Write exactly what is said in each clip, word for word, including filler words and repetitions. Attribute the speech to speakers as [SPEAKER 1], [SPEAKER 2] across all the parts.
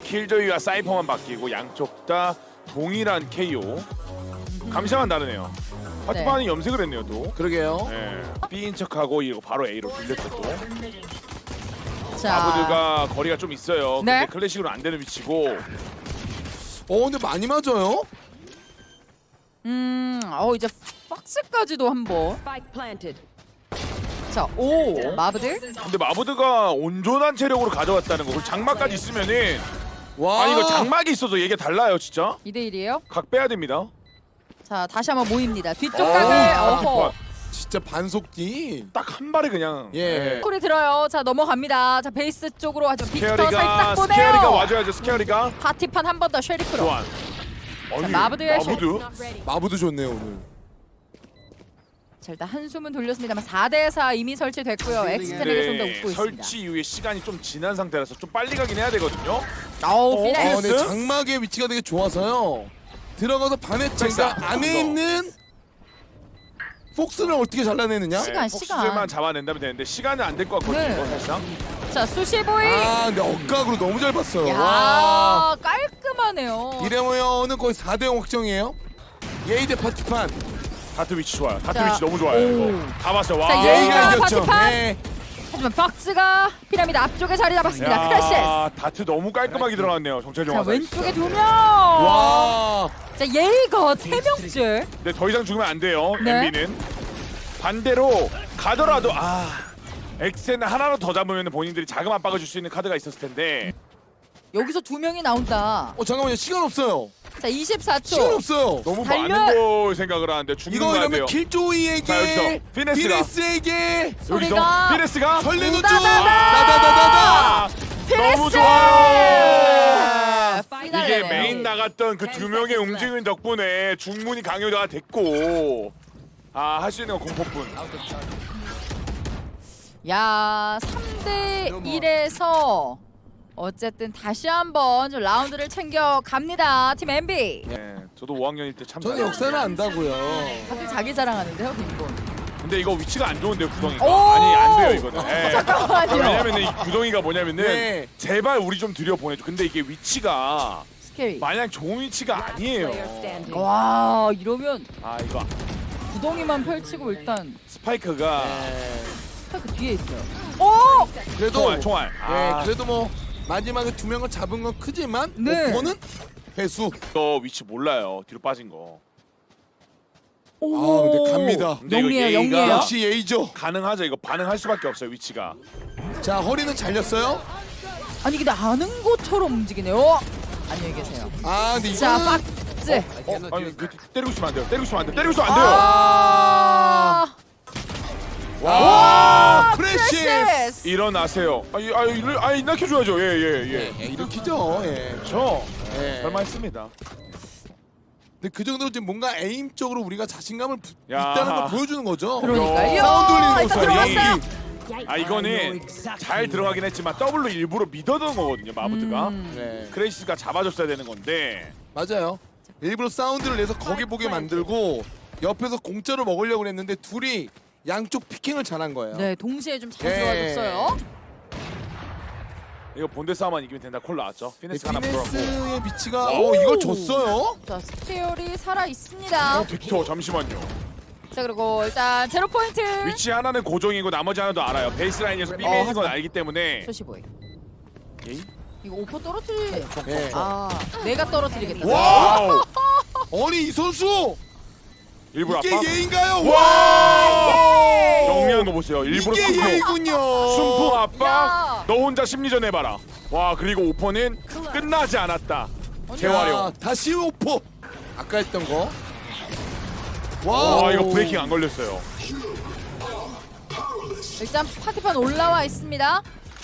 [SPEAKER 1] 킬조이와 사이퍼만 바뀌고 양쪽 다 동일한 케이오. 감시만 다르네요. 파티판이 네. 염색을 했네요 또.
[SPEAKER 2] 그러게요.
[SPEAKER 1] 네. B인 척하고 이거 바로 A로 돌렸죠 또.
[SPEAKER 3] 자,
[SPEAKER 1] 마부드가 거리가 좀 있어요.
[SPEAKER 3] 네.
[SPEAKER 1] 근데 클래식으로 안 되는 위치고.
[SPEAKER 2] 어 근데 많이 맞아요.
[SPEAKER 3] 음, 어 이제 박스까지도 한번.
[SPEAKER 4] Spike planted.
[SPEAKER 3] 자, 오 마브들.
[SPEAKER 1] 근데 마부드가 온전한 체력으로 가져왔다는 거. 그리고 장막까지 있으면은
[SPEAKER 2] 와.
[SPEAKER 1] 아니 이거 장막이 있어서 얘기 달라요 진짜.
[SPEAKER 3] 이 대 일이에요.
[SPEAKER 1] 각 빼야 됩니다.
[SPEAKER 3] 자, 다시 한번 모입니다. 뒤쪽
[SPEAKER 1] 어,
[SPEAKER 3] 각을.
[SPEAKER 1] 아,
[SPEAKER 3] 어허.
[SPEAKER 2] 진짜 반속기.
[SPEAKER 1] 딱 한 발에 그냥.
[SPEAKER 2] 예.
[SPEAKER 1] 네.
[SPEAKER 3] 콜이 들어요. 자, 넘어갑니다. 자, 베이스 쪽으로 하죠. 빅터
[SPEAKER 1] 스케어리가
[SPEAKER 3] 살짝 보내요.
[SPEAKER 1] 스케어리가 와줘야죠. 스케어리가.
[SPEAKER 3] 파티판 한 번 더 쉐리프로.
[SPEAKER 1] 교환. 아니,
[SPEAKER 3] 마부드의
[SPEAKER 1] 마부드?
[SPEAKER 4] Not ready.
[SPEAKER 2] 마부도 좋네요 오늘.
[SPEAKER 3] 자, 일단 한숨은 돌렸습니다만 사 대 사 이미 설치됐고요. 엑스텐에게 좀 더 웃고 있습니다.
[SPEAKER 1] 설치 이후에 시간이 좀 지난 상태라서 좀 빨리 가긴 해야 되거든요.
[SPEAKER 3] 어우,
[SPEAKER 1] 어,
[SPEAKER 2] 아
[SPEAKER 3] 피네스.
[SPEAKER 2] 근데 장막의 위치가 되게 좋아서요. 들어가서 반의 제가
[SPEAKER 1] 백사.
[SPEAKER 2] 안에
[SPEAKER 1] 어.
[SPEAKER 2] 있는 폭스를 어떻게 잘라내느냐?
[SPEAKER 3] 시간,
[SPEAKER 1] 폭스들만
[SPEAKER 3] 시간.
[SPEAKER 1] 잡아낸다면 되는데 시간은 안 될 것 같거든요.
[SPEAKER 3] 네.
[SPEAKER 1] 이거 사실상.
[SPEAKER 3] 자, 수시보이.
[SPEAKER 2] 아 근데 억각으로 너무 잘 봤어요. 와.
[SPEAKER 3] 야, 깔끔하네요.
[SPEAKER 2] 이래모여는 거의 사 대 영 확정이에요. 예이 대 파티판.
[SPEAKER 1] 다트 위치 좋아요. 다트
[SPEAKER 3] 자,
[SPEAKER 1] 위치 너무 좋아요.
[SPEAKER 3] 오.
[SPEAKER 1] 이거. 다 봤어요. 와.
[SPEAKER 3] 자,
[SPEAKER 2] 예의가
[SPEAKER 3] 예의가
[SPEAKER 2] 이겼죠.
[SPEAKER 3] 파티판.
[SPEAKER 2] 네.
[SPEAKER 3] 하지만 박스가 피라미드 앞쪽에 자리 잡았습니다. 크래시.
[SPEAKER 1] 야, 다트 너무 깔끔하게 들어갔네요. 정찰용
[SPEAKER 3] 자,
[SPEAKER 1] 화살.
[SPEAKER 3] 왼쪽에 두 명.
[SPEAKER 2] 와.
[SPEAKER 3] 자, 예의가 세 명째.
[SPEAKER 1] 근데 더 이상 죽으면 안 돼요.
[SPEAKER 3] 네.
[SPEAKER 1] 엠비는. 반대로 가더라도 아 엑센 하나로 더 잡으면 본인들이 자금 압박을 줄 수 있는 카드가 있었을 텐데.
[SPEAKER 3] 여기서 두 명이 나온다.
[SPEAKER 2] 어 잠깐만요 시간 없어요.
[SPEAKER 3] 자, 이십사
[SPEAKER 2] 시간
[SPEAKER 3] 초.
[SPEAKER 2] 없어요.
[SPEAKER 1] 너무
[SPEAKER 3] 달려-
[SPEAKER 1] 많은 걸 생각을 하는데 죽는
[SPEAKER 2] 이거
[SPEAKER 1] 거
[SPEAKER 2] 이러면
[SPEAKER 1] 같아요. 자,
[SPEAKER 2] 킬조이에게
[SPEAKER 1] 여기서 피네스가.
[SPEAKER 2] 피네스에게
[SPEAKER 1] 여기서
[SPEAKER 3] 소리가
[SPEAKER 1] 피레스가
[SPEAKER 2] 설레는 중.
[SPEAKER 3] 우다다다.
[SPEAKER 2] 다다다다다.
[SPEAKER 1] 아,
[SPEAKER 3] 피레스!
[SPEAKER 1] 너무 좋아요. 이게
[SPEAKER 3] 피날레네요.
[SPEAKER 1] 메인 나갔던 그 두 명의 움직임 덕분에 중문이 강요가 됐고 아 할 수 있는 건 공포뿐.
[SPEAKER 3] 야, 삼 대 일에서 어쨌든 다시 한번 좀 라운드를 챙겨 갑니다. 팀 엠비.
[SPEAKER 1] 네, 저도 오 학년일 때 참.
[SPEAKER 2] 저는
[SPEAKER 1] 잘했어요.
[SPEAKER 2] 역사는 안다고요.
[SPEAKER 3] 다들 자기 자랑하는데요, 빈곤.
[SPEAKER 1] 근데 이거 위치가 안 좋은데요 구덩이가.
[SPEAKER 3] 오!
[SPEAKER 1] 아니 안 돼요 이거는. 네.
[SPEAKER 3] 잠깐만요.
[SPEAKER 1] 왜냐면은 이 구덩이가 뭐냐면은
[SPEAKER 2] 네.
[SPEAKER 1] 제발 우리 좀 들여 보내줘. 근데 이게 위치가
[SPEAKER 3] 스케리.
[SPEAKER 1] 마냥 좋은 위치가 아니에요.
[SPEAKER 4] Player standing.
[SPEAKER 3] 와, 이러면
[SPEAKER 1] 아 이거
[SPEAKER 3] 구덩이만 펼치고 일단
[SPEAKER 1] 스파이크가
[SPEAKER 2] 네.
[SPEAKER 3] 스파이크 뒤에 있어요. 오!
[SPEAKER 2] 그래도
[SPEAKER 1] 총알 총알.
[SPEAKER 2] 예,
[SPEAKER 1] 아,
[SPEAKER 2] 그래도 뭐 마지막에 두 명을 잡은 건 크지만
[SPEAKER 3] 네.
[SPEAKER 2] 오퍼는 회수.
[SPEAKER 1] 또 위치 몰라요. 뒤로 빠진 거.
[SPEAKER 2] 아 근데 갑니다.
[SPEAKER 1] 근데 이거
[SPEAKER 3] 영리해요,
[SPEAKER 1] 예의가
[SPEAKER 3] 영리해요.
[SPEAKER 2] 역시 예의죠.
[SPEAKER 1] 가능하죠. 이거 반응할 수밖에 없어요 위치가.
[SPEAKER 2] 자 허리는 잘렸어요.
[SPEAKER 3] 아니 근데 아는 것처럼 움직이네요. 안녕히 계세요.
[SPEAKER 2] 아 근데
[SPEAKER 3] 자,
[SPEAKER 2] 이거는
[SPEAKER 3] 박스.
[SPEAKER 1] 어, 아니 그, 때리고 싶으면 안 돼요. 때리고 싶으면 안 돼요. 때리고 싶으면 안 돼요.
[SPEAKER 3] 아!
[SPEAKER 2] 와
[SPEAKER 3] 아,
[SPEAKER 2] 프레시.
[SPEAKER 3] 프레시스.
[SPEAKER 1] 일어나세요. 아니 아니 일- 아니 일으켜줘야죠. 예예 예.
[SPEAKER 2] 예, 일으키죠. 예.
[SPEAKER 1] 저
[SPEAKER 2] 예.
[SPEAKER 1] 설마 했습니다.
[SPEAKER 2] 근데 그 정도로 지금 뭔가 에임 쪽으로 우리가 자신감을 부,
[SPEAKER 1] 야.
[SPEAKER 2] 있다는 걸 보여주는 거죠.
[SPEAKER 3] 그러니까요.
[SPEAKER 2] 사운드 울리는 거
[SPEAKER 3] 일단
[SPEAKER 2] 없어요.
[SPEAKER 3] 들어갔어요.
[SPEAKER 2] 연기.
[SPEAKER 1] 아 이거는 잘 들어가긴 했지만 더블로 일부러 믿어둔 거거든요. 마부드가.
[SPEAKER 3] 음.
[SPEAKER 2] 네.
[SPEAKER 1] 크레이시가 잡아줬어야 되는 건데.
[SPEAKER 2] 맞아요. 일부러 사운드를 내서 거기 보게 만들고 옆에서 공짜로 먹으려고 했는데 둘이 양쪽 피킹을 잘한 거예요.
[SPEAKER 3] 네, 동시에 좀 잘
[SPEAKER 2] 예.
[SPEAKER 3] 들어와줬어요.
[SPEAKER 1] 이거 본대 싸움만 이기면 된다. 콜 나왔죠.
[SPEAKER 2] 네,
[SPEAKER 1] 피네스 하나 풀었고.
[SPEAKER 2] 피네스의 위치가 어 이걸 줬어요?
[SPEAKER 3] 자, 스테어리 살아 있습니다.
[SPEAKER 1] 어 빅터 잠시만요.
[SPEAKER 3] 자, 그리고 일단 제로 포인트.
[SPEAKER 1] 위치 하나는 고정이고 나머지 하나도 알아요. 베이스 라인에서 삐
[SPEAKER 3] 어,
[SPEAKER 1] 매는 건
[SPEAKER 3] 하지마.
[SPEAKER 1] 알기 때문에.
[SPEAKER 3] 소시보이.
[SPEAKER 1] 에이?
[SPEAKER 3] 이거 오퍼 떨어뜨리.
[SPEAKER 2] 네.
[SPEAKER 3] 아, 내가 떨어뜨리겠다.
[SPEAKER 2] 와! 아니 이 선수
[SPEAKER 1] 일부러
[SPEAKER 2] 이게
[SPEAKER 1] 아빠.
[SPEAKER 2] 예인가요?
[SPEAKER 1] 와! 정리한 거 보세요. 일부러
[SPEAKER 2] 이게
[SPEAKER 1] 순풍.
[SPEAKER 2] 예이군요.
[SPEAKER 1] 순풍 아빠.
[SPEAKER 3] 야.
[SPEAKER 1] 너 혼자 심리전 해봐라. 와 그리고 오퍼는 끝나지 않았다.
[SPEAKER 2] 자,
[SPEAKER 1] 재활용.
[SPEAKER 2] 다시 오퍼. 아까 했던 거. 와,
[SPEAKER 1] 와 이거 브레이킹 안 걸렸어요.
[SPEAKER 3] 일단 파티판 올라와 있습니다.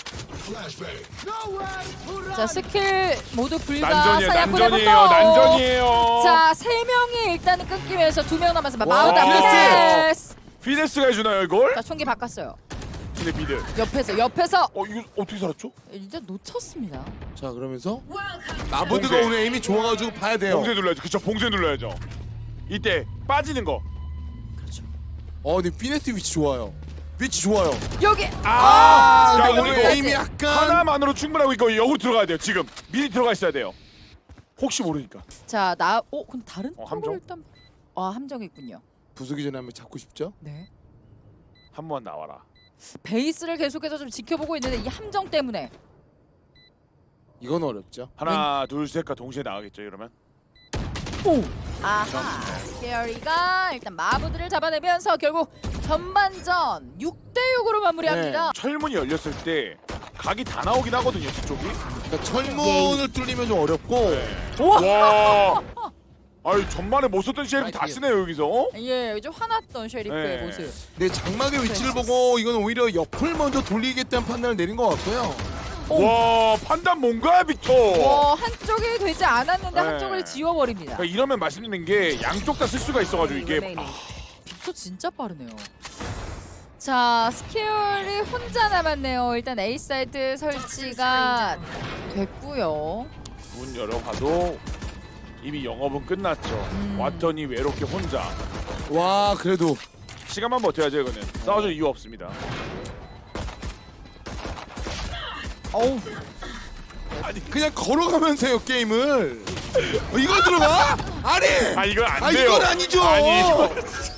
[SPEAKER 3] 자, 스킬 모두 불가.
[SPEAKER 1] 난전이에요.
[SPEAKER 3] 사냥꾼의
[SPEAKER 1] 난전이에요.
[SPEAKER 3] 분노.
[SPEAKER 1] 난전이에요.
[SPEAKER 3] 자, 세 명이 일단은 끊기면서 두 명 남았습니다.
[SPEAKER 2] 와,
[SPEAKER 3] 마우다
[SPEAKER 1] 피네스!
[SPEAKER 3] 피네스.
[SPEAKER 1] 피네스가 해주나요 이걸?
[SPEAKER 3] 자, 총기 바꿨어요.
[SPEAKER 1] 근데 미드.
[SPEAKER 3] 옆에서 옆에서
[SPEAKER 1] 어 이거 어떻게 살았죠?
[SPEAKER 3] 이제 놓쳤습니다.
[SPEAKER 2] 자 그러면서 마부드가
[SPEAKER 1] 봉쇄.
[SPEAKER 2] 오늘 에임이 좋아가지고 봐야 돼요.
[SPEAKER 1] 봉쇄 눌러야죠. 그쵸 봉쇄 눌러야죠. 이때 빠지는 거.
[SPEAKER 2] 어 근데 피네스 위치 좋아요. 위치 좋아요.
[SPEAKER 3] 여기
[SPEAKER 2] 아,
[SPEAKER 1] 야,
[SPEAKER 2] 근데
[SPEAKER 1] 오늘
[SPEAKER 2] 오늘
[SPEAKER 1] 이거
[SPEAKER 2] 게임이 약간
[SPEAKER 1] 하나만으로 충분하고 이거 역으로 들어가야 돼요. 지금 미리 들어가 있어야 돼요. 혹시 모르니까.
[SPEAKER 3] 자, 나 어, 근데 다른
[SPEAKER 1] 어,
[SPEAKER 3] 쪽으로
[SPEAKER 1] 함정?
[SPEAKER 3] 일단 아, 함정이 있군요.
[SPEAKER 2] 부수기 전에 한번 잡고 싶죠?
[SPEAKER 3] 네.
[SPEAKER 1] 한 번 나와라.
[SPEAKER 3] 베이스를 계속해서 좀 지켜보고 있는데 이 함정 때문에
[SPEAKER 2] 이건 어렵죠.
[SPEAKER 1] 하나, 둘, 셋과 동시에 나가겠죠. 이러면.
[SPEAKER 3] 오! 아하. 스케어리가 일단 마부들을 잡아내면서 결국 전반전 육 대 육으로 마무리합니다.
[SPEAKER 1] 철문이 열렸을 때 각이 다 나오긴 하거든요. 뒤쪽이.
[SPEAKER 2] 그러니까 철문을 뚫리면 좀 어렵고
[SPEAKER 1] 네.
[SPEAKER 3] 우와!
[SPEAKER 1] 와. 아유 전반에 못 썼던 셰리프 다 쓰네요 여기서.
[SPEAKER 3] 예, 좀 화났던 쉐리프의
[SPEAKER 1] 네.
[SPEAKER 3] 모습.
[SPEAKER 2] 근데 장막의 위치를 보고 이건 오히려 옆을 먼저 돌리겠다는 판단을 내린 것 같고요.
[SPEAKER 1] 와 판단 뭔가요 빅터.
[SPEAKER 3] 와, 한쪽이 되지 않았는데
[SPEAKER 1] 네.
[SPEAKER 3] 한쪽을 지워버립니다.
[SPEAKER 1] 그러니까 이러면 말씀드리는 게 양쪽 다 쓸 수가 있어가지고 이게 아,
[SPEAKER 3] 빅터 진짜 빠르네요. 자, 스케어리 혼자 남았네요. 일단 A 사이트 설치가 됐고요.
[SPEAKER 1] 문 열어봐도 이미 영업은 끝났죠.
[SPEAKER 3] 음.
[SPEAKER 1] 왔더니 외롭게 혼자.
[SPEAKER 2] 와 그래도
[SPEAKER 1] 시간만 버텨야죠 이거는. 싸워줄 이유 없습니다.
[SPEAKER 3] 어우,
[SPEAKER 2] 아니 그냥 걸어가면서요 게임을. 어, 이걸 들어가? 아니.
[SPEAKER 1] 아 이건 안
[SPEAKER 2] 아,
[SPEAKER 1] 돼요.
[SPEAKER 2] 이건 아니죠.
[SPEAKER 1] 아니 이거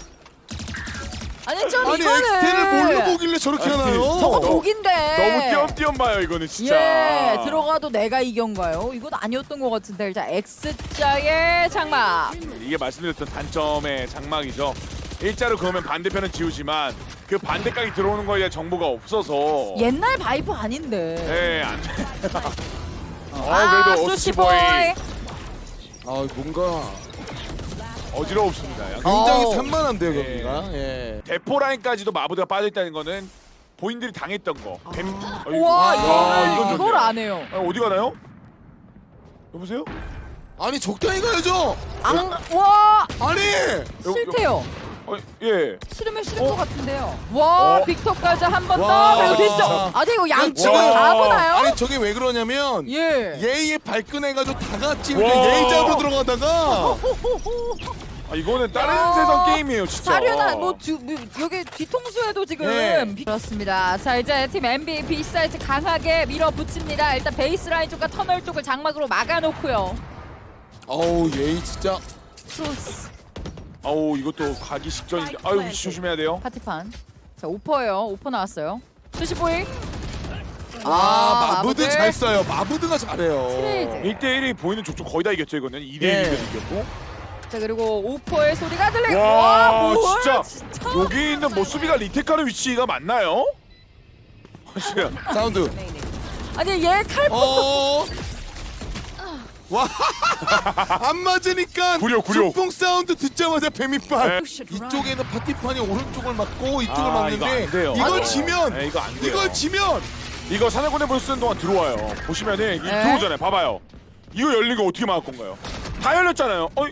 [SPEAKER 3] 아니 좀
[SPEAKER 2] 아니
[SPEAKER 3] 이거는
[SPEAKER 2] 엑스티를 뭘로 보길래 저렇게
[SPEAKER 1] 아니,
[SPEAKER 2] 하나요?
[SPEAKER 3] 저거
[SPEAKER 1] 너-
[SPEAKER 3] 독인데.
[SPEAKER 1] 너무 띄엄띄엄 봐요 이거는 진짜.
[SPEAKER 3] 예, 들어가도 내가 이겼가요? 이건 아니었던 것 같은데. 자, X자의 장막.
[SPEAKER 1] 이게 말씀드렸던 단점의 장막이죠. 일자로 그으면 반대편은 지우지만 그 반대각이 들어오는 거에 대한 정보가 없어서
[SPEAKER 3] 옛날 바이퍼 아닌데.
[SPEAKER 1] 네, 안 돼. 어,
[SPEAKER 3] 아,
[SPEAKER 1] 그래도
[SPEAKER 3] 수시보이.
[SPEAKER 1] 오스티보이
[SPEAKER 2] 아 뭔가
[SPEAKER 1] 어지러웠습니다. 약간.
[SPEAKER 2] 굉장히
[SPEAKER 3] 어.
[SPEAKER 2] 산만한데요
[SPEAKER 1] 네.
[SPEAKER 2] 여기가. 예.
[SPEAKER 1] 대포 라인까지도 마부대가 빠져있다는 거는 본인들이 당했던 거. 뱀... 어이구.
[SPEAKER 3] 와,
[SPEAKER 2] 아,
[SPEAKER 3] 이거는
[SPEAKER 1] 이건
[SPEAKER 3] 이걸
[SPEAKER 1] 좋네요.
[SPEAKER 3] 안 해요.
[SPEAKER 1] 아, 어디 가나요? 여보세요?
[SPEAKER 2] 아니 적당히 가야죠.
[SPEAKER 3] 안, 와,
[SPEAKER 2] 아니.
[SPEAKER 3] 싫대요.
[SPEAKER 1] 어, 예.
[SPEAKER 3] 싫으면 싫은
[SPEAKER 1] 어?
[SPEAKER 3] 것 같은데요. 와,
[SPEAKER 1] 어?
[SPEAKER 3] 빅터까지 한 번
[SPEAKER 2] 와.
[SPEAKER 3] 더. 그리고 빅터. 아니 이거 양쪽을
[SPEAKER 1] 와.
[SPEAKER 3] 다 보나요?
[SPEAKER 2] 아니 저게 왜 그러냐면
[SPEAKER 3] 예.
[SPEAKER 2] 예의에 발끈해가지고 다 같이
[SPEAKER 1] 와.
[SPEAKER 2] 이렇게 예의 잡으러 들어가다가
[SPEAKER 1] 아, 이거는 다른
[SPEAKER 3] 야.
[SPEAKER 1] 세상 게임이에요, 진짜.
[SPEAKER 3] 사륜아, 뭐, 두, 뭐 여기 뒤통수에도 지금
[SPEAKER 2] 네.
[SPEAKER 3] 비- 그렇습니다. 자, 이제 팀 엠비 B 사이트 강하게 밀어붙입니다. 일단 베이스라인 쪽과 터널 쪽을 장막으로 막아놓고요.
[SPEAKER 2] 어우 예의 진짜.
[SPEAKER 3] 크로스
[SPEAKER 1] 아우, 이것도 가기 직전인데. 아유, 위치 조심해야 돼요.
[SPEAKER 3] 파티판. 자, 오퍼예요. 오퍼 나왔어요. 수시보이.
[SPEAKER 2] 아 마부드
[SPEAKER 3] 마부드.
[SPEAKER 2] 잘 써요. 마부드가 잘해요.
[SPEAKER 3] 트레이드.
[SPEAKER 1] 일 대 일이 보이는 족족 거의 다 이겼죠, 이거는. 이 대
[SPEAKER 2] 네.
[SPEAKER 1] 일이면 이겼고.
[SPEAKER 3] 자, 그리고 오퍼의 소리가 들리고.
[SPEAKER 1] 와,
[SPEAKER 3] 뭐야,
[SPEAKER 1] 진짜.
[SPEAKER 3] 진짜.
[SPEAKER 1] 여기 있는 뭐 수비가 리테카르 위치가 맞나요? 사실
[SPEAKER 2] 사운드.
[SPEAKER 3] 아니 얘 칼.
[SPEAKER 2] 어. 와. 안 맞으니까
[SPEAKER 1] 구려, 구려.
[SPEAKER 2] 중풍 사운드 듣자마자 뱀이빨.
[SPEAKER 1] 네.
[SPEAKER 2] 이쪽에는 파티판이 오른쪽을 맞고 이쪽을
[SPEAKER 1] 아,
[SPEAKER 2] 맞는데
[SPEAKER 1] 이거 안 돼요.
[SPEAKER 2] 이걸
[SPEAKER 1] 아니,
[SPEAKER 2] 지면
[SPEAKER 1] 네, 이거 안 돼요.
[SPEAKER 2] 이걸 지면
[SPEAKER 1] 이거 사냥꾼의 불 쓰는 동안 들어와요. 보시면은 이
[SPEAKER 3] 네.
[SPEAKER 1] 들어오잖아요. 봐봐요. 이거 열린 거 어떻게 막을 건가요? 다 열렸잖아요. 어이,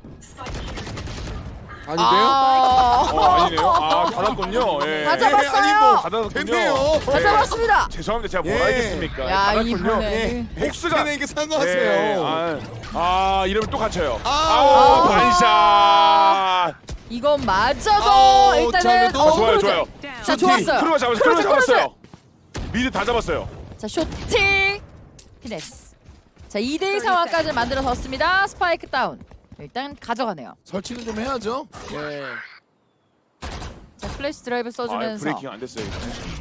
[SPEAKER 2] 아닌데요?
[SPEAKER 3] 아,
[SPEAKER 1] 어 아니네요. 아 닫았군요. 예.
[SPEAKER 3] 다 잡았어요.
[SPEAKER 2] 아니 뭐
[SPEAKER 1] 닫았군요.
[SPEAKER 2] 됐네요.
[SPEAKER 3] 다 잡았습니다.
[SPEAKER 1] 죄송합니다. 제가 뭘
[SPEAKER 2] 예.
[SPEAKER 1] 알겠습니까?
[SPEAKER 3] 야,
[SPEAKER 1] 닫았군요.
[SPEAKER 3] 이번에.
[SPEAKER 2] 예.
[SPEAKER 1] 복수가-
[SPEAKER 2] 엑스텐에게
[SPEAKER 1] 네,
[SPEAKER 2] 사과하세요.
[SPEAKER 1] 아, 아 이러면 또 갇혀요.
[SPEAKER 2] 아.
[SPEAKER 1] 아, 반샷.
[SPEAKER 3] 이건 맞아도
[SPEAKER 2] 아우, 자,
[SPEAKER 3] 일단은
[SPEAKER 2] 그래도-
[SPEAKER 3] 어,
[SPEAKER 1] 좋아요,
[SPEAKER 3] 크루즈.
[SPEAKER 1] 좋아요.
[SPEAKER 3] 자, 좋았어요.
[SPEAKER 1] 크루가 잡았어요. 크루가 잡았어요. 미드 다 잡았어요.
[SPEAKER 3] 자, 쇼팅 피네스. 자, 이 대 이 상황까지 만들어졌습니다. 스파이크 다운. 일단 가져가네요.
[SPEAKER 2] 설치는 좀 해야죠. 예.
[SPEAKER 3] 자, 플래시 드라이브
[SPEAKER 1] 아,
[SPEAKER 3] 써주면서
[SPEAKER 1] 브레이킹 안 됐어요.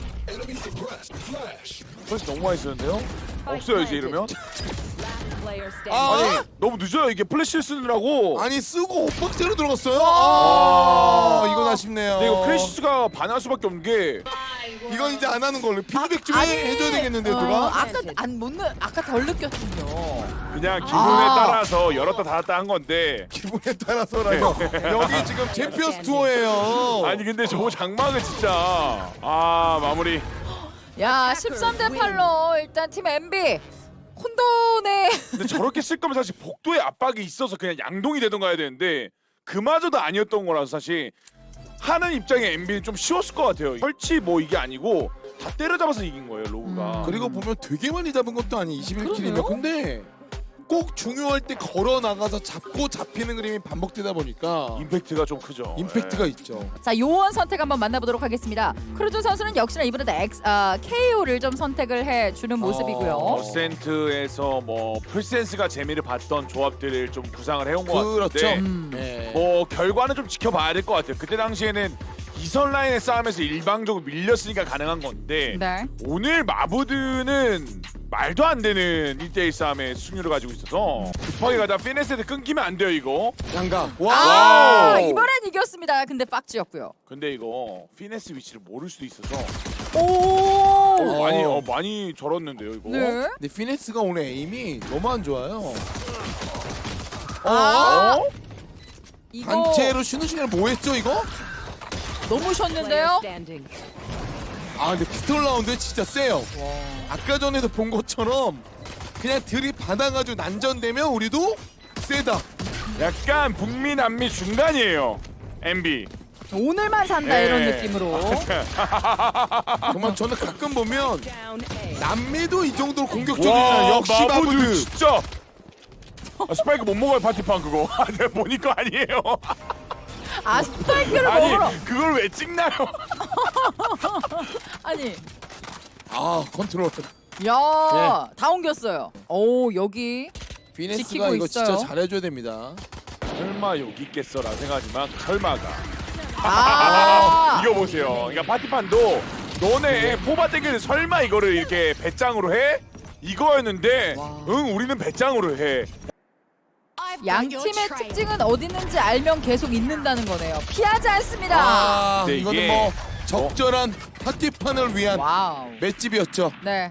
[SPEAKER 1] 벌써 너무 많이 쓰는데요? 없어요 이제 이러면.
[SPEAKER 2] 아,
[SPEAKER 1] 아니 너무 늦어요 이게 플래시를 쓰느라고.
[SPEAKER 2] 아니 쓰고 옥박대로 들어갔어요. 아, 이건 아쉽네요.
[SPEAKER 1] 근데 이거 크래시스가 반할 수밖에 없는 게
[SPEAKER 2] 이건 이제 안 하는 걸로 피드백 좀
[SPEAKER 3] 아니,
[SPEAKER 2] 해, 해줘야 되겠는데
[SPEAKER 3] 어,
[SPEAKER 2] 누가?
[SPEAKER 3] 아까 안못 느 아까 덜 느꼈군요.
[SPEAKER 1] 그냥 기분에
[SPEAKER 3] 아.
[SPEAKER 1] 따라서 열었다 닫았다 한 건데.
[SPEAKER 2] 기분에 따라서라요. 여기 지금 챔피언스 투어예요.
[SPEAKER 1] 아니 근데 저 장막은 진짜 아 마무리.
[SPEAKER 3] 야, 십삼 대 팔로 일단 팀 엠비 혼돈의
[SPEAKER 1] 근데 저렇게 쓸 거면 사실 복도에 압박이 있어서 그냥 양동이 되던가 해야 되는데 그마저도 아니었던 거라서 사실 하는 입장에 엠비는 좀 쉬웠을 것 같아요. 설치 뭐 이게 아니고 다 때려잡아서 이긴 거예요 로우가.
[SPEAKER 3] 음.
[SPEAKER 2] 그리고 보면 되게 많이 잡은 것도 아니 이십일 킬이면
[SPEAKER 3] 그러네요.
[SPEAKER 2] 근데 꼭 중요할 때 걸어 나가서 잡고 잡히는 그림이 반복되다 보니까
[SPEAKER 1] 임팩트가 좀 크죠.
[SPEAKER 2] 임팩트가
[SPEAKER 1] 예.
[SPEAKER 2] 있죠.
[SPEAKER 3] 자, 요원 선택 한번 만나보도록 하겠습니다. 크루즈 선수는 역시나 이번에도 X, 아, 케이오를 좀 선택을 해주는 모습이고요.
[SPEAKER 2] 어.
[SPEAKER 1] 어센트에서 뭐 풀센스가 재미를 봤던 조합들을 좀 구상을 해온 것
[SPEAKER 2] 그렇죠.
[SPEAKER 1] 같은데
[SPEAKER 3] 음.
[SPEAKER 2] 네.
[SPEAKER 1] 뭐 결과는 좀 지켜봐야 될 것 같아요. 그때 당시에는 이선 라인의 싸움에서 일방적으로 밀렸으니까 가능한 건데
[SPEAKER 3] 네.
[SPEAKER 1] 오늘 마부드는 말도 안 되는 일 대일 싸움의 승률을 가지고 있어서 급하게 가다 피네스한테 끊기면 안 돼요 이거.
[SPEAKER 2] 양각.
[SPEAKER 3] 아,
[SPEAKER 1] 와우.
[SPEAKER 3] 이번엔 이겼습니다. 근데 빡지였고요.
[SPEAKER 1] 근데 이거 피네스 위치를 모를 수도 있어서
[SPEAKER 3] 오.
[SPEAKER 1] 어, 많이 어, 많이 절었는데요 이거.
[SPEAKER 3] 네.
[SPEAKER 2] 근데 피네스가 오늘 에임이 너무 안 좋아요.
[SPEAKER 3] 아.
[SPEAKER 1] 어?
[SPEAKER 3] 이거
[SPEAKER 2] 단체로 쉬는 시간에 뭐 했죠 이거?
[SPEAKER 3] 너무 쉬었는데요.
[SPEAKER 2] 아 근데 피스톨 라운드 진짜 세요. 아까 전에도 본 것처럼 그냥 들이 받아가지고 난전되면 우리도 세다.
[SPEAKER 1] 약간 북미 남미 중간이에요. 엠비.
[SPEAKER 3] 오늘만 산다
[SPEAKER 1] 네.
[SPEAKER 3] 이런 느낌으로.
[SPEAKER 2] 정말 저는 가끔 보면 남미도 이 정도로 공격적이잖아.
[SPEAKER 1] 와
[SPEAKER 2] 역시
[SPEAKER 1] 마부드
[SPEAKER 2] 마부드.
[SPEAKER 1] 진짜. 아, 스파이크 못 먹어요 파티판 그거. 아, 내가 보니까 아니에요.
[SPEAKER 3] 아, 스파이크를
[SPEAKER 1] 아니
[SPEAKER 3] 먹으러.
[SPEAKER 1] 그걸 왜 찍나요?
[SPEAKER 3] 아니.
[SPEAKER 2] 아 컨트롤.
[SPEAKER 3] 야, 다 옮겼어요. 오, 여기
[SPEAKER 2] 피네스가
[SPEAKER 3] 지키고
[SPEAKER 2] 이거
[SPEAKER 3] 있어요.
[SPEAKER 2] 진짜 잘해줘야 됩니다.
[SPEAKER 1] 설마 여기 있겠어라 생각하지만 설마가.
[SPEAKER 3] 아.
[SPEAKER 1] 이거 보세요. 그러니까 파티판도 너네 포바 땡기는 설마 이거를 이렇게 배짱으로 해? 이거였는데
[SPEAKER 3] 와.
[SPEAKER 1] 응 우리는 배짱으로 해.
[SPEAKER 3] 양 팀의 특징은 어디 있는지 알면 계속 있는다는 거네요. 피하지 않습니다.
[SPEAKER 2] 아
[SPEAKER 1] 근데
[SPEAKER 2] 이거는
[SPEAKER 1] 이게-
[SPEAKER 2] 뭐 적절한 파티판을 위한
[SPEAKER 3] 와우.
[SPEAKER 2] 맷집이었죠.
[SPEAKER 3] 네.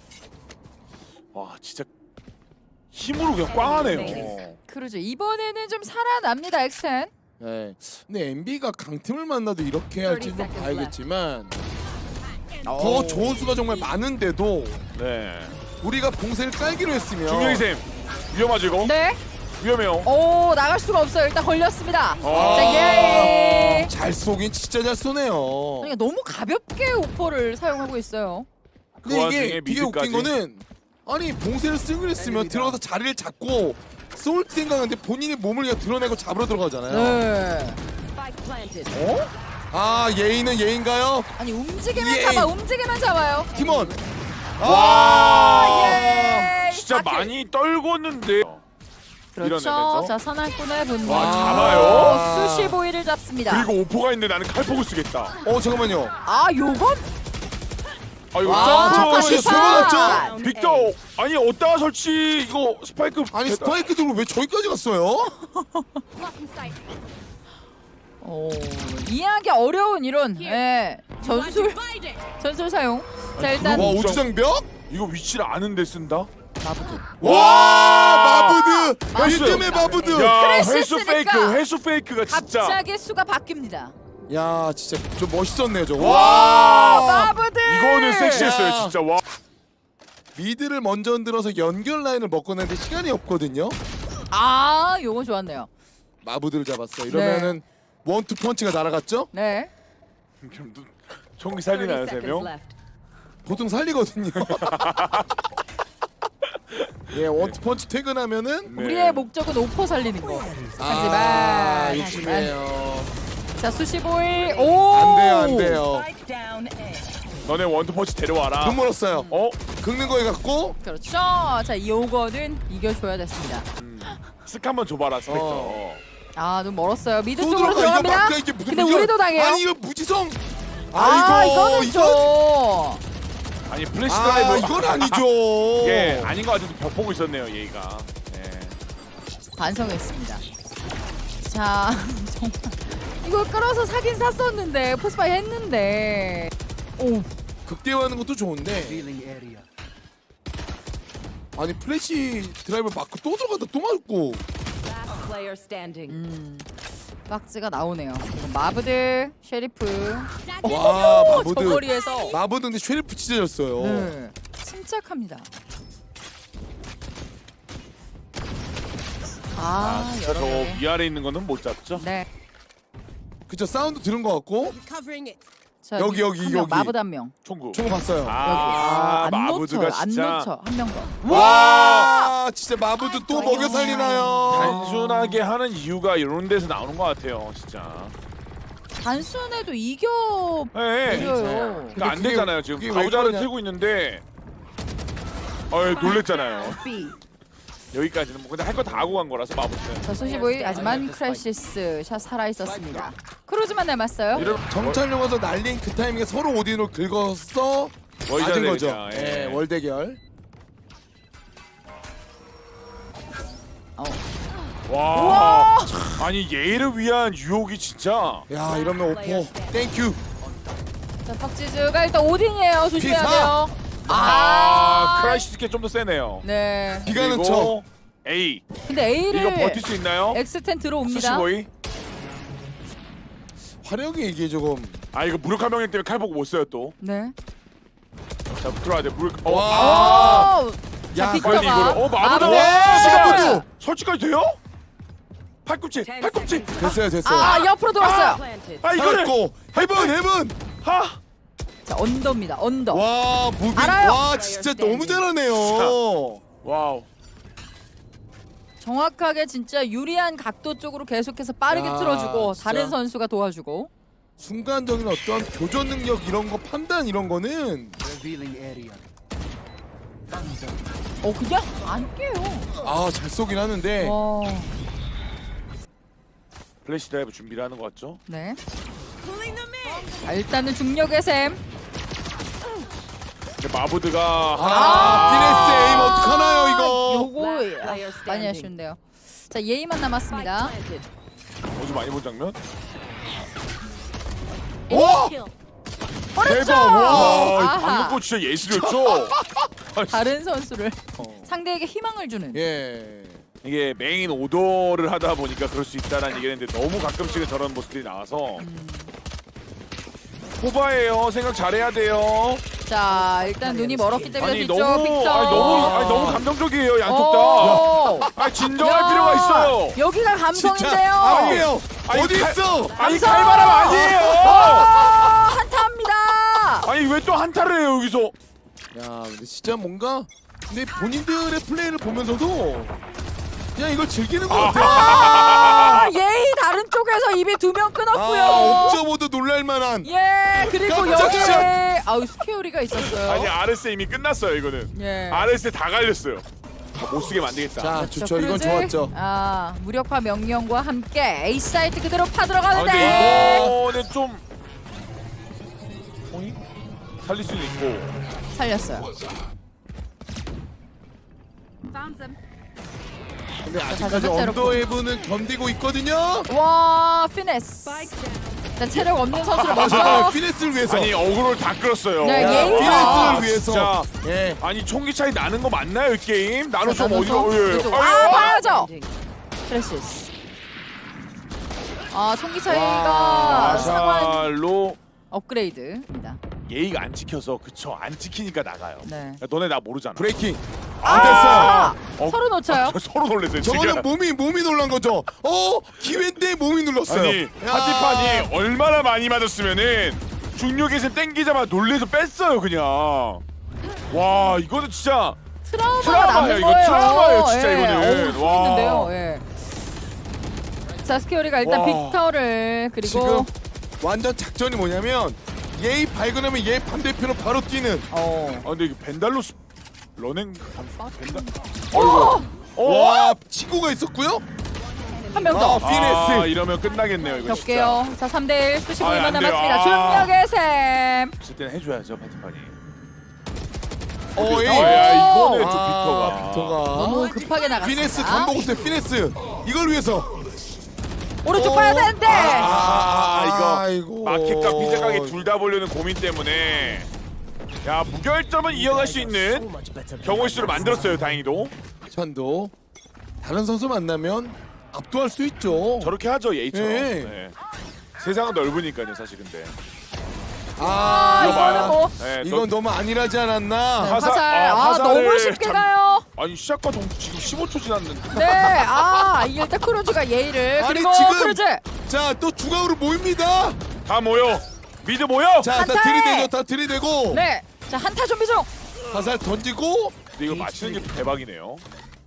[SPEAKER 1] 와 진짜 힘으로 그냥 꽝하네요.
[SPEAKER 3] 크루즈 이번에는 좀 살아납니다. 엑센.
[SPEAKER 2] 네. 근데 엠비가 강팀을 만나도 이렇게 할지는 좀 봐야겠지만 더 좋은 수가 정말 많은데도
[SPEAKER 1] 네.
[SPEAKER 2] 우리가 봉쇄를 깔기로 했으면
[SPEAKER 1] 중경이 쌤 위험하죠 이거?
[SPEAKER 3] 네.
[SPEAKER 1] 위험해요.
[SPEAKER 3] 오, 나갈 수가 없어요. 일단 걸렸습니다.
[SPEAKER 1] 아.
[SPEAKER 3] 자, 예.
[SPEAKER 2] 잘 쏘긴 진짜 잘 쏘네요.
[SPEAKER 3] 그러니까 너무 가볍게 오퍼를 사용하고 있어요.
[SPEAKER 2] 근데
[SPEAKER 1] 그
[SPEAKER 2] 이게
[SPEAKER 1] 와중에
[SPEAKER 2] 되게 웃긴
[SPEAKER 1] 미드까지?
[SPEAKER 2] 거는 아니 봉쇄를 쓰기로 했으면 들어가서 자리를 잡고 쏠 생각하는데 본인이 몸을 그냥 드러내고 잡으러 들어가잖아요.
[SPEAKER 3] 네.
[SPEAKER 2] 어? 아 예인은 예인가요?
[SPEAKER 3] 아니 움직이면
[SPEAKER 2] 예.
[SPEAKER 3] 잡아. 움직이면 잡아요.
[SPEAKER 2] 팀원.
[SPEAKER 1] 와
[SPEAKER 3] 예.
[SPEAKER 1] 진짜
[SPEAKER 3] 바퀴.
[SPEAKER 1] 많이 떨궜는데.
[SPEAKER 3] 그렇죠.
[SPEAKER 1] 밀어내면서.
[SPEAKER 3] 자, 사냥꾼의 분노.
[SPEAKER 1] 와, 잡아요.
[SPEAKER 3] 수시보이를 잡습니다.
[SPEAKER 1] 그리고 오포가 있는데 나는 칼폭을 쓰겠다.
[SPEAKER 2] 어 잠깐만요.
[SPEAKER 3] 아, 요건
[SPEAKER 1] 아 이거
[SPEAKER 2] 와,
[SPEAKER 1] 점프
[SPEAKER 2] 잠깐만요.
[SPEAKER 1] 실수.
[SPEAKER 2] 숨어났죠?
[SPEAKER 1] 빅터 아니 어디다가 설치 이거 스파이크
[SPEAKER 2] 아니
[SPEAKER 1] 됐다.
[SPEAKER 2] 스파이크 들고 왜 저기까지 갔어요?
[SPEAKER 3] 오, 이해하기 어려운 이론. 예. 전술 전술 사용. 자, 일단
[SPEAKER 2] 와
[SPEAKER 1] 그거
[SPEAKER 2] 우주장벽?
[SPEAKER 1] 이거 위치를 아는데 쓴다?
[SPEAKER 3] 마부도.
[SPEAKER 2] 와 마부드!
[SPEAKER 1] 나이스.
[SPEAKER 2] 이쯤에 마부드!
[SPEAKER 1] 야
[SPEAKER 3] 크래시
[SPEAKER 1] 회수
[SPEAKER 3] 했으니까
[SPEAKER 1] 페이크 회수 페이크가 진짜.
[SPEAKER 3] 갑자기 수가 바뀝니다.
[SPEAKER 2] 야 진짜 좀 멋있었네요 저거.
[SPEAKER 1] 와
[SPEAKER 3] 마부드.
[SPEAKER 1] 이거는 섹시했어요
[SPEAKER 2] 야.
[SPEAKER 1] 진짜. 와
[SPEAKER 2] 미드를 먼저 흔들어서 연결 라인을 먹고는데 시간이 없거든요.
[SPEAKER 3] 아, 요거 좋았네요.
[SPEAKER 2] 마부드를 잡았어. 이러면은 원투 펀치가 날아갔죠?
[SPEAKER 3] 네.
[SPEAKER 1] 그럼 또 총기 살리나요 세 명?
[SPEAKER 2] 보통 살리거든요. 예 원투 펀치 퇴근하면은
[SPEAKER 1] 네.
[SPEAKER 3] 우리의 목적은 오퍼 살리는 거.
[SPEAKER 2] 아
[SPEAKER 3] 하지만
[SPEAKER 2] 욕심이에요.
[SPEAKER 3] 자, 수시보일. 오.
[SPEAKER 2] 안 돼요 안 돼요.
[SPEAKER 1] 너네 원투펀치 데려와라.
[SPEAKER 2] 돈 멀었어요.
[SPEAKER 1] 어?
[SPEAKER 2] 긁는 거에 갖고
[SPEAKER 3] 그렇죠. 자, 요거는 이겨줘야 됐습니다.
[SPEAKER 1] 음. 스카 한번 줘봐라 스펙터.
[SPEAKER 2] 어.
[SPEAKER 3] 아, 눈 멀었어요. 미드
[SPEAKER 2] 또
[SPEAKER 3] 쪽으로
[SPEAKER 2] 들어가. 이거
[SPEAKER 3] 들어갑니다.
[SPEAKER 2] 막자 이게 무슨
[SPEAKER 3] 근데
[SPEAKER 2] 무지성-
[SPEAKER 3] 우리도 당해요.
[SPEAKER 2] 아니 이거 무지성.
[SPEAKER 3] 아,
[SPEAKER 2] 아이고
[SPEAKER 3] 이거는
[SPEAKER 2] 이건
[SPEAKER 1] 뭐 아니 플래시
[SPEAKER 2] 아
[SPEAKER 1] 드라이브.
[SPEAKER 2] 이건 아니죠.
[SPEAKER 1] 예 아닌 것 같아서 벽 보고 있었네요 얘가. 예.
[SPEAKER 3] 반성했습니다. 자, 정말 이거 끌어서 사긴 샀었는데 포스파이 했는데. 오,
[SPEAKER 2] 극대화하는 것도 좋은데 아니 플래시 드라이브 맞고 또 들어가다 또 맞고
[SPEAKER 3] 음, 박스가 나오네요. 이건 마브드, 쉐리프.
[SPEAKER 2] 와
[SPEAKER 3] 오,
[SPEAKER 2] 마부드
[SPEAKER 3] 저거리에서.
[SPEAKER 2] 마부드 근데 쉐리프 찢어졌어요.
[SPEAKER 3] 네, 침착합니다. 아,
[SPEAKER 1] 아 진짜
[SPEAKER 3] 여러
[SPEAKER 1] 저
[SPEAKER 3] 개.
[SPEAKER 1] 위아래 있는 거는 못 잡죠?
[SPEAKER 3] 네.
[SPEAKER 2] 그쵸 사운드 들은 것 같고
[SPEAKER 3] 자,
[SPEAKER 2] 여기, 여기,
[SPEAKER 3] 한 명,
[SPEAKER 2] 여기.
[SPEAKER 3] 마붓 한 명.
[SPEAKER 1] 총구.
[SPEAKER 2] 총 봤어요.
[SPEAKER 3] 여기.
[SPEAKER 1] 아,
[SPEAKER 3] 아, 안
[SPEAKER 1] 마부드가
[SPEAKER 3] 놓쳐, 안
[SPEAKER 1] 진짜
[SPEAKER 3] 놓쳐. 한 명 더.
[SPEAKER 2] 와, 진짜 마부도 또 먹여 살리나요?
[SPEAKER 1] 단순하게 하는 이유가 이런 데서 나오는 것 같아요, 진짜.
[SPEAKER 3] 단순해도 이겨
[SPEAKER 1] 네.
[SPEAKER 3] 버려요.
[SPEAKER 1] 그러니까 안
[SPEAKER 2] 그게-
[SPEAKER 1] 되잖아요. 지금
[SPEAKER 2] 그게 왜
[SPEAKER 1] 가우자를
[SPEAKER 2] 그러냐?
[SPEAKER 1] 들고 있는데, 어 놀랬잖아요.
[SPEAKER 3] B.
[SPEAKER 1] 여기까지는 뭐 근데 할 거 다 하고 간 거라서 마부는.
[SPEAKER 3] 자, 소시보이 하지만 크래시스 샷 살아 있었습니다. 크루즈만 남았어요.
[SPEAKER 1] 이런
[SPEAKER 2] 정찰용 와서 날린 그 타이밍에 서로 오딘으로 긁어서
[SPEAKER 1] 월드
[SPEAKER 2] 맞은 거죠.
[SPEAKER 1] 대회자, 예.
[SPEAKER 2] 예, 월 대결.
[SPEAKER 3] 어.
[SPEAKER 1] 와. 아니 얘를 위한 유혹이 진짜.
[SPEAKER 2] 야, 이러면 오퍼. 땡큐.
[SPEAKER 3] 자, 팍지즈가 일단 오딘이에요. 조심해야
[SPEAKER 2] 피사!
[SPEAKER 3] 돼요.
[SPEAKER 1] 아, 크라이시스께 좀 더 세네요.
[SPEAKER 3] 네.
[SPEAKER 2] 기가는 쳐.
[SPEAKER 1] 그리고 A.
[SPEAKER 3] 근데 A를
[SPEAKER 1] 이거 버틸 수 있나요?
[SPEAKER 3] 엑스텐 들어옵니다.
[SPEAKER 1] 수시보이.
[SPEAKER 2] 화력이 이게 조금.
[SPEAKER 1] 아 이거 무력화 명령 때문에 칼 보고 못 써요 또.
[SPEAKER 3] 네.
[SPEAKER 1] 자 들어와야 돼. 무력. 어.
[SPEAKER 2] 와.
[SPEAKER 1] 아,
[SPEAKER 3] 오!
[SPEAKER 2] 야,
[SPEAKER 3] 자,
[SPEAKER 1] 빨리
[SPEAKER 3] 빅터가
[SPEAKER 1] 이거를. 어 마부다.
[SPEAKER 3] 마부다!
[SPEAKER 1] 와,
[SPEAKER 2] 마부다!
[SPEAKER 1] 설치까지 돼요? 팔꿈치. 팔꿈치.
[SPEAKER 2] 됐어요, 됐어요.
[SPEAKER 3] 아, 옆으로 돌았어요.
[SPEAKER 1] 아 이거를.
[SPEAKER 2] 살았고 헤븐, 헤븐.
[SPEAKER 1] 하.
[SPEAKER 3] 자, 언더입니다. 언더.
[SPEAKER 2] 와, 무빙.
[SPEAKER 3] 알아요.
[SPEAKER 2] 와, 진짜 너무 잘하네요.
[SPEAKER 1] 와우.
[SPEAKER 3] 정확하게 진짜 유리한 각도 쪽으로 계속해서 빠르게
[SPEAKER 2] 야,
[SPEAKER 3] 틀어주고
[SPEAKER 2] 진짜.
[SPEAKER 3] 다른 선수가 도와주고.
[SPEAKER 2] 순간적인 어떤 교전 능력 이런 거 판단 이런 거는
[SPEAKER 3] 어, 그냥 안 깨요.
[SPEAKER 2] 아, 잘 쏘긴 하는데.
[SPEAKER 3] 와.
[SPEAKER 1] 플래시 드라이브 준비를 하는 것 같죠?
[SPEAKER 3] 네. 자, 일단은 중력의 샘.
[SPEAKER 1] 근데 마부드가
[SPEAKER 2] 아, 피네스 에임 어떡하나요, 이거?
[SPEAKER 3] 요거 아, 많이 아쉬운데요. 자, 예의만 남았습니다.
[SPEAKER 1] 어제 많이 본 장면?
[SPEAKER 2] 와!
[SPEAKER 3] 오른쪽.
[SPEAKER 2] 대박, 와,
[SPEAKER 1] 와,
[SPEAKER 3] 아하.
[SPEAKER 1] 방금 거 진짜 예술이었죠?
[SPEAKER 3] 다른 선수를
[SPEAKER 2] 어.
[SPEAKER 3] 상대에게 희망을 주는.
[SPEAKER 2] 예.
[SPEAKER 1] 이게 메인 오더를 하다 보니까 그럴 수 있다는 얘기를 했는데 너무 가끔씩은 저런 모습들이 나와서 포바예요. 생각 잘해야 돼요.
[SPEAKER 3] 자, 일단 눈이 멀었기 때문에
[SPEAKER 1] 아니
[SPEAKER 3] 뒤쪽
[SPEAKER 1] 너무
[SPEAKER 3] 빅터.
[SPEAKER 1] 아니 너무 아니 너무 감정적이에요 양쪽 다.
[SPEAKER 3] 오.
[SPEAKER 1] 아 진정할
[SPEAKER 3] 야,
[SPEAKER 1] 필요가 있어요.
[SPEAKER 3] 여기가
[SPEAKER 2] 진짜
[SPEAKER 3] 감성인데요.
[SPEAKER 2] 아니에요.
[SPEAKER 1] 아니,
[SPEAKER 2] 어디
[SPEAKER 1] 칼-
[SPEAKER 2] 있어?
[SPEAKER 1] 아니
[SPEAKER 3] 감성!
[SPEAKER 1] 칼바람 아니에요.
[SPEAKER 3] 아, 한타합니다.
[SPEAKER 1] 아니 왜 또 한타를 해요 여기서?
[SPEAKER 2] 야, 근데 진짜 뭔가 근데 본인들의 플레이를 보면서도 그냥 이걸 즐기는 것 같아요.
[SPEAKER 3] 아, 예의 다른 쪽에서 입이 두 명 끊었고요.
[SPEAKER 2] 아, 옵저보도 놀랄만한.
[SPEAKER 3] 예, 그리고
[SPEAKER 2] 깜짝
[SPEAKER 3] 여기에
[SPEAKER 2] 샷!
[SPEAKER 3] 아우 스케어리가 있었어요.
[SPEAKER 1] 아니 아르스 이미 끝났어요 이거는.
[SPEAKER 3] 예.
[SPEAKER 1] 아르스 다 갈렸어요. 다 못 쓰게 만들겠다.
[SPEAKER 2] 자,
[SPEAKER 3] 그렇죠,
[SPEAKER 2] 좋죠. 이건
[SPEAKER 3] 크루즈.
[SPEAKER 2] 좋았죠.
[SPEAKER 3] 아, 무력화 명령과 함께 A 사이트 그대로
[SPEAKER 1] 아,
[SPEAKER 3] 파들어가는데.
[SPEAKER 1] 근데 이거는 좀 어이? 살릴 수는 있고.
[SPEAKER 3] 살렸어요.
[SPEAKER 2] 근데
[SPEAKER 3] 자,
[SPEAKER 2] 아직까지
[SPEAKER 3] 다섯 번째로
[SPEAKER 2] 언더웨이브는 견디고 있거든요.
[SPEAKER 3] 와, 피네스. 자, 체력 없는 선수를
[SPEAKER 2] 아,
[SPEAKER 3] 먼저.
[SPEAKER 2] 잠깐만. 피네스를 위해서.
[SPEAKER 1] 아니 어그로를 다 끌었어요.
[SPEAKER 3] 네,
[SPEAKER 2] 야,
[SPEAKER 3] 예의가.
[SPEAKER 2] 피네스를 위해서.
[SPEAKER 1] 진짜.
[SPEAKER 2] 예.
[SPEAKER 1] 아니 총기 차이 나는 거 맞나요 이 게임? 나는
[SPEAKER 3] 자,
[SPEAKER 1] 좀 어디가
[SPEAKER 3] 나눠서
[SPEAKER 1] 예.
[SPEAKER 3] 그쪽.
[SPEAKER 1] 아유,
[SPEAKER 3] 아,
[SPEAKER 1] 아.
[SPEAKER 3] 봐야죠. 크래시스. 아, 총기 차이가 상황
[SPEAKER 1] 아샬로
[SPEAKER 3] 업그레이드입니다.
[SPEAKER 1] 예의가 안 지켜서 그쵸 안 지키니까 나가요.
[SPEAKER 3] 네.
[SPEAKER 1] 야, 너네 나 모르잖아.
[SPEAKER 2] 브레이킹.
[SPEAKER 3] 아,
[SPEAKER 2] 안 됐어요.
[SPEAKER 1] 어.
[SPEAKER 3] 서로 놓쳐요.
[SPEAKER 1] 저 서로 놀랐어요
[SPEAKER 2] 저거는
[SPEAKER 1] 지금.
[SPEAKER 2] 몸이 몸이 놀란 거죠. 어, 기회인데 몸이 눌렀어요.
[SPEAKER 1] 아니
[SPEAKER 2] 야.
[SPEAKER 1] 파티판이 얼마나 많이 맞았으면은 중력에서 땡기자마자 놀래서 뺐어요 그냥. 와 이거는 진짜
[SPEAKER 3] 트라우마가
[SPEAKER 1] 트라우마예요,
[SPEAKER 3] 남는
[SPEAKER 1] 이거.
[SPEAKER 3] 거예요.
[SPEAKER 1] 트라우마예요, 진짜
[SPEAKER 3] 예.
[SPEAKER 1] 이거는.
[SPEAKER 3] 어우,
[SPEAKER 1] 와.
[SPEAKER 3] 있는데요. 예. 자, 스케어리가 일단
[SPEAKER 1] 와.
[SPEAKER 3] 빅터를 그리고
[SPEAKER 2] 지금 완전 작전이 뭐냐면 예의 발견하면 얘 반대편으로 바로 뛰는.
[SPEAKER 3] 어.
[SPEAKER 1] 아 근데 이게 벤달로스 런행 반 벤달.
[SPEAKER 3] 어!
[SPEAKER 1] 어.
[SPEAKER 2] 와, 치고가 있었고요.
[SPEAKER 3] 한 명
[SPEAKER 2] 아,
[SPEAKER 3] 더.
[SPEAKER 2] 피네스.
[SPEAKER 1] 아 이러면 끝나겠네요 이거 진짜.
[SPEAKER 3] 겹게요. 자, 삼 대 일 수십
[SPEAKER 1] 아,
[SPEAKER 3] 분만
[SPEAKER 1] 안 돼요.
[SPEAKER 3] 남았습니다.
[SPEAKER 1] 아.
[SPEAKER 3] 중력의 샘.
[SPEAKER 1] 없을 때는 해줘야죠 파티판이.
[SPEAKER 2] 어, 에이.
[SPEAKER 3] 어.
[SPEAKER 1] 야 이거는 좀
[SPEAKER 2] 아,
[SPEAKER 1] 빅터가.
[SPEAKER 2] 빅터가.
[SPEAKER 3] 너무 급하게 나갔습니다.
[SPEAKER 2] 피네스 간보고세 피네스. 이걸 위해서.
[SPEAKER 3] 오른쪽
[SPEAKER 2] 어.
[SPEAKER 3] 봐야 되는데.
[SPEAKER 1] 아, 이거
[SPEAKER 2] 아이고.
[SPEAKER 1] 마켓과 피자 가게 둘 다 보려는 고민 때문에 야 무결점은 이어갈 수 있는 경우의 수를 만들었어요 다행히도.
[SPEAKER 2] 찬도 다른 선수 만나면 압도할 수 있죠.
[SPEAKER 1] 저렇게 하죠 예이처럼.
[SPEAKER 2] 네.
[SPEAKER 1] 네. 세상은 넓으니까요 사실 근데.
[SPEAKER 3] 아,
[SPEAKER 2] 아,
[SPEAKER 1] 이거 봐요.
[SPEAKER 3] 이거는 뭐.
[SPEAKER 1] 네,
[SPEAKER 2] 이건 너무 안일하지 않았나?
[SPEAKER 3] 네,
[SPEAKER 1] 화살,
[SPEAKER 3] 화살.
[SPEAKER 1] 아,
[SPEAKER 3] 아,
[SPEAKER 1] 화살을
[SPEAKER 3] 너무 쉽게
[SPEAKER 1] 참-
[SPEAKER 3] 가요.
[SPEAKER 1] 아니 시작과 동 지금 십오 초 지났는데.
[SPEAKER 3] 네. 아, 이길 때 크루즈가 예의를
[SPEAKER 2] 아니,
[SPEAKER 3] 그리고
[SPEAKER 2] 지금-
[SPEAKER 3] 크루즈.
[SPEAKER 2] 자, 또 중앙으로 모입니다.
[SPEAKER 1] 다 모여. 미드 모여.
[SPEAKER 2] 자, 다
[SPEAKER 3] 한타에!
[SPEAKER 2] 들이대고 다 들이대고
[SPEAKER 3] 네. 자, 한타 준비 중.
[SPEAKER 2] 화살 던지고
[SPEAKER 1] 근데 이거 맞히는 게 대박이네요.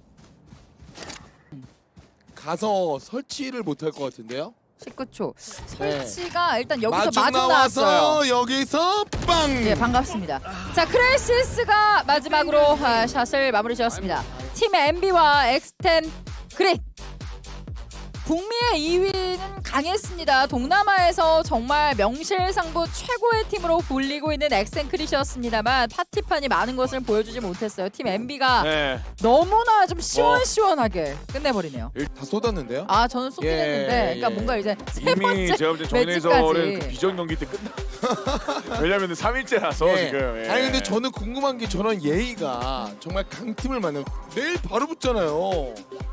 [SPEAKER 2] 가서 설치를 못 할 것 같은데요.
[SPEAKER 3] 십구 초.
[SPEAKER 2] 네.
[SPEAKER 3] 설치가 일단 여기서
[SPEAKER 2] 마중
[SPEAKER 3] 마중
[SPEAKER 2] 나와서
[SPEAKER 3] 나왔어요.
[SPEAKER 2] 여기서 빵.
[SPEAKER 3] 네, 반갑습니다. 자, 크레시스가 마지막으로 아, 샷을 마무리 지었습니다. 팀 엠비와 엑스텐 그릿. 북미의 이 위는 강했습니다. 동남아에서 정말 명실상부 최고의 팀으로 불리고 있는 엑센크릿이었습니다만 파티판이 많은 것을 보여주지 못했어요. 팀 엠비가
[SPEAKER 1] 네.
[SPEAKER 3] 너무나 좀 시원시원하게 끝내버리네요.
[SPEAKER 2] 다 쏟았는데요.
[SPEAKER 3] 아, 저는 쏟긴
[SPEAKER 2] 예,
[SPEAKER 3] 했는데 그러니까
[SPEAKER 2] 예.
[SPEAKER 3] 뭔가 이제 세
[SPEAKER 1] 이미
[SPEAKER 3] 번째
[SPEAKER 1] 제가 볼때 정해설은
[SPEAKER 3] 매치까지.
[SPEAKER 1] 그 비전 경기 때 끝나. 왜냐면 삼 일째라서
[SPEAKER 2] 예.
[SPEAKER 1] 지금. 예.
[SPEAKER 2] 아니 근데 저는 궁금한 게 저런 예의가 정말 강팀을 만나면 내일 바로 붙잖아요.